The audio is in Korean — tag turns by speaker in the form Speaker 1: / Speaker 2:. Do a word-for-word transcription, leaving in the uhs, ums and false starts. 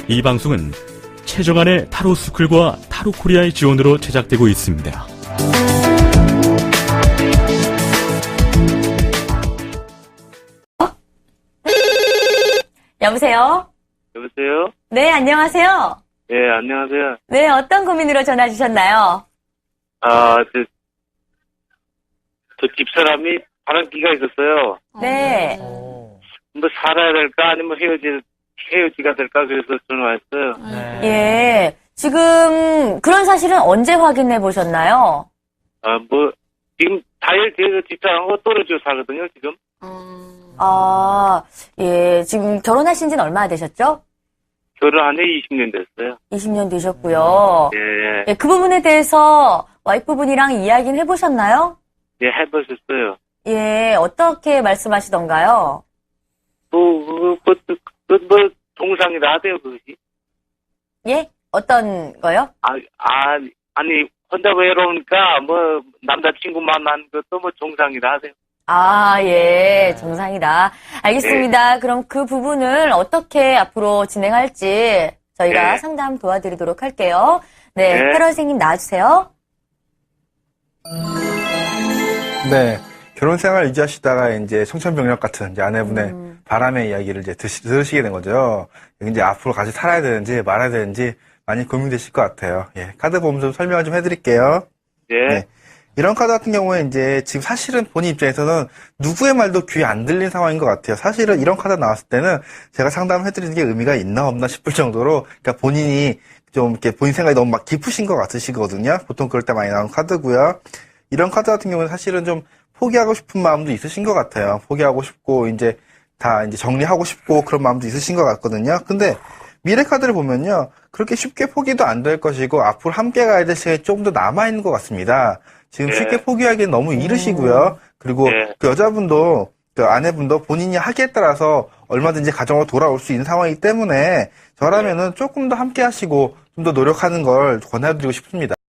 Speaker 1: 이 방송은 최정안의 타로 스쿨과 타로 코리아의 지원으로 제작되고 있습니다.
Speaker 2: 여보세요?
Speaker 3: 여보세요?
Speaker 2: 네, 안녕하세요.
Speaker 3: 예, 안녕하세요.
Speaker 2: 네, 어떤 고민으로 전화 주셨나요?
Speaker 3: 아, 저, 저 집사람이 바람기가 있었어요.
Speaker 2: 네.
Speaker 3: 뭐 살아야 될까 아니면 헤어지, 헤어지가 될까 그래서 전화했어요.
Speaker 2: 예. 지금 그런 사실은 언제 확인해 보셨나요?
Speaker 3: 아, 뭐, 지금 다이어트에서 집사람하고 떨어져 살거든요, 지금.
Speaker 2: 아, 예. 지금 결혼하신 지는 얼마나 되셨죠?
Speaker 3: 결혼한 지 이십 년 됐어요.
Speaker 2: 이십 년 되셨고요.
Speaker 3: 예, 예.
Speaker 2: 예, 그 부분에 대해서 와이프분이랑 이야기는 해보셨나요?
Speaker 3: 예, 해보셨어요.
Speaker 2: 예, 어떻게 말씀하시던가요?
Speaker 3: 뭐, 그, 그, 그, 그, 뭐, 동상이라 하대요, 그것이.
Speaker 2: 예? 어떤 거요?
Speaker 3: 아, 아, 아니, 혼자 외로우니까, 뭐, 남자친구 만난 것도 뭐, 정상이라 하대요.
Speaker 2: 아, 예, 정상이다. 알겠습니다. 그럼 그 부분을 어떻게 앞으로 진행할지 저희가
Speaker 3: 네.
Speaker 2: 상담 도와드리도록 할게요. 네,
Speaker 3: 네.
Speaker 2: 테러 선생님 나와주세요.
Speaker 4: 네. 결혼 생활 유지하시다가 이제 청천벽력 같은 이제 아내분의
Speaker 2: 음.
Speaker 4: 바람의 이야기를 이제 드시, 들으시게 된 거죠. 이제 앞으로 같이 살아야 되는지 말아야 되는지 많이 고민되실 것 같아요. 예. 카드 보험 좀 설명을 좀 해드릴게요.
Speaker 3: 예.
Speaker 4: 네. 이런 카드 같은 경우에 이제 지금 사실은 본인 입장에서는 누구의 말도 귀에 안 들린 상황인 것 같아요. 사실은 이런 카드 나왔을 때는 제가 상담을 해드리는 게 의미가 있나 없나 싶을 정도로 그러니까 본인이 좀 이렇게 본인 생각이 너무 막 깊으신 것 같으시거든요. 보통 그럴 때 많이 나오는 카드고요. 이런 카드 같은 경우는 사실은 좀 포기하고 싶은 마음도 있으신 것 같아요. 포기하고 싶고 이제 다 이제 정리하고 싶고 그런 마음도 있으신 것 같거든요. 근데 미래 카드를 보면요. 그렇게 쉽게 포기도 안 될 것이고 앞으로 함께 가야 될 시간이 조금 더 남아있는 것 같습니다. 지금
Speaker 3: 네.
Speaker 4: 쉽게 포기하기엔 너무 이르시고요. 그리고
Speaker 3: 네.
Speaker 4: 그 여자분도 그 아내분도 본인이 하기에 따라서 얼마든지 가정으로 돌아올 수 있는 상황이기 때문에 저라면은 조금 더 함께 하시고 좀 더 노력하는 걸 권해드리고 싶습니다.